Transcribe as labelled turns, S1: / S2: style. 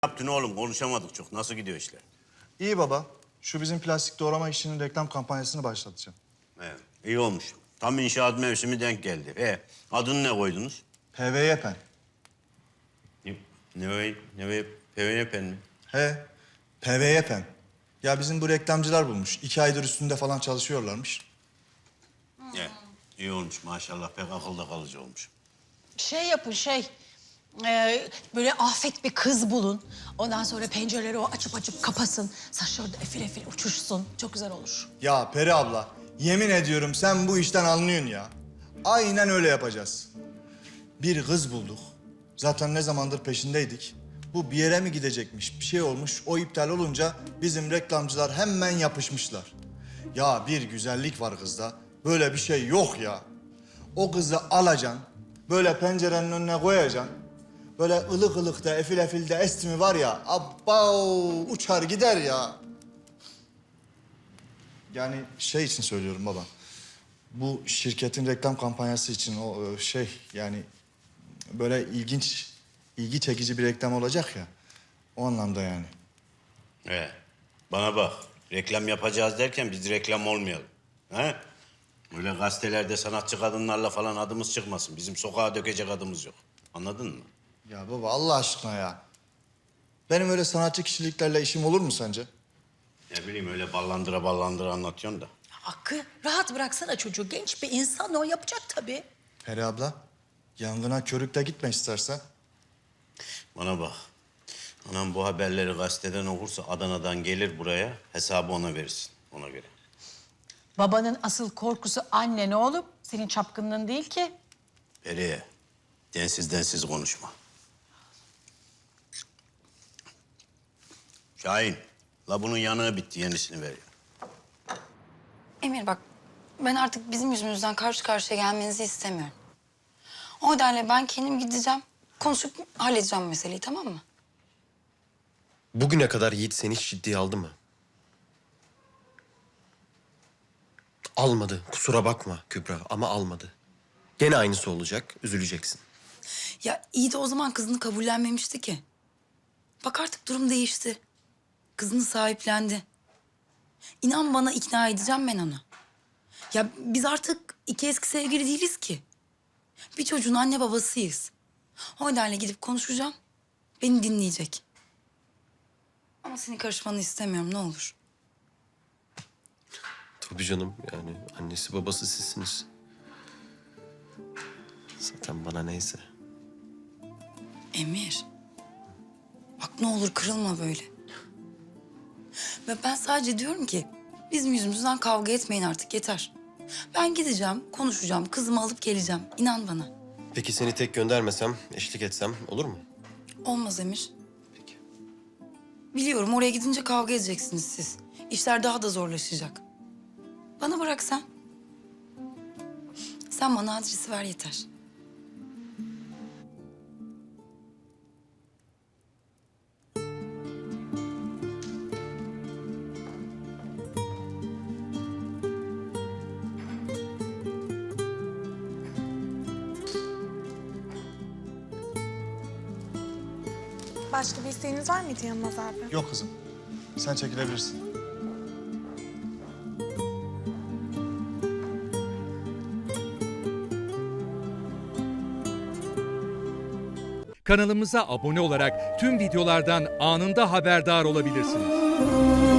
S1: Yaptın oğlum? Konuşamadık çok. Nasıl gidiyor işler?
S2: İyi baba. Şu bizim plastik doğrama işinin reklam kampanyasını başlatacağım.
S1: Evet, iyi olmuş. Tam inşaat mevsimi denk geldi. Adını ne koydunuz?
S2: PVY-PEN.
S1: PVN mi?
S2: He, PVY-PEN. Ya bizim bu reklamcılar bulmuş. 2 aydır üstünde falan çalışıyorlarmış.
S1: Evet, iyi olmuş maşallah. Pek akılda kalıcı olmuş.
S3: Şey yapın böyle afet bir kız bulun. Ondan sonra pencereleri o açıp kapasın. Saçları da efil efil uçuşsun. Çok güzel olur.
S2: Ya Peri abla, yemin ediyorum sen bu işten anlıyorsun ya. Aynen öyle yapacağız. Bir kız bulduk. Zaten ne zamandır peşindeydik. Bu bir yere mi gidecekmiş, bir şey olmuş. O iptal olunca bizim reklamcılar hemen yapışmışlar. Ya bir güzellik var kızda. Böyle bir şey yok ya. O kızı alacaksın, böyle pencerenin önüne koyacaksın. Böyle ılık ılık da efil efil de esti mi var ya, abbao uçar gider ya. Yani şey için söylüyorum baba. Bu şirketin reklam kampanyası için o yani böyle ilgi çekici bir reklam olacak ya. O anlamda yani.
S1: Bana bak. Reklam yapacağız derken biz reklam olmayalım. He? Öyle gazetelerde sanatçı kadınlarla falan adımız çıkmasın. Bizim sokağa dökecek adımız yok. Anladın mı?
S2: Ya baba Allah aşkına ya. Benim öyle sanatçı kişiliklerle işim olur mu sence?
S1: Ne bileyim öyle ballandıra anlatıyorsun da.
S3: Hakkı rahat bıraksana çocuğu. Genç bir insan o yapacak tabii.
S2: Peri abla, yangına körükle gitme istersen.
S1: Bana bak. Anam bu haberleri gazeteden okursa Adana'dan gelir buraya. Hesabı ona verirsin. Ona göre.
S3: Babanın asıl korkusu annen oğlum. Senin çapkınlığın değil ki.
S1: Periye, densiz konuşma. Şahin, la bunun yanığı bitti. Yenisini ver ya.
S4: Emir bak, ben artık bizim yüzümüzden karşı karşıya gelmenizi istemiyorum. O nedenle ben kendim gideceğim, konuşup halledeceğim meseleyi, tamam mı?
S5: Bugüne kadar Yiğit seni hiç ciddiye aldı mı? Almadı. Kusura bakma Kübra ama almadı. Gene aynısı olacak. Üzüleceksin.
S4: Ya iyi de o zaman kızını kabullenmemişti ki. Bak artık durum değişti. Kızını sahiplendi. İnan bana ikna edeceğim ben onu. Ya biz artık iki eski sevgili değiliz ki. Bir çocuğun anne babasıyız. O nedenle gidip konuşacağım. Beni dinleyecek. Ama senin karışmanı istemiyorum ne olur.
S5: Tabii canım yani annesi babası sizsiniz. Zaten bana neyse.
S4: Emir. Bak ne olur kırılma böyle. Ve ben sadece diyorum ki bizim yüzümüzden kavga etmeyin artık yeter. Ben gideceğim, konuşacağım, kızımı alıp geleceğim. İnan bana.
S5: Peki seni tek göndermesem, eşlik etsem olur mu?
S4: Olmaz Emir.
S5: Peki.
S4: Biliyorum oraya gidince kavga edeceksiniz siz. İşler daha da zorlaşacak. Bana bırak sen. Sen bana adresi ver yeter.
S6: Başka bir isteğiniz var mıydı Yılmaz abi?
S2: Yok kızım, sen çekilebilirsin.
S7: Kanalımıza abone olarak tüm videolardan anında haberdar olabilirsiniz.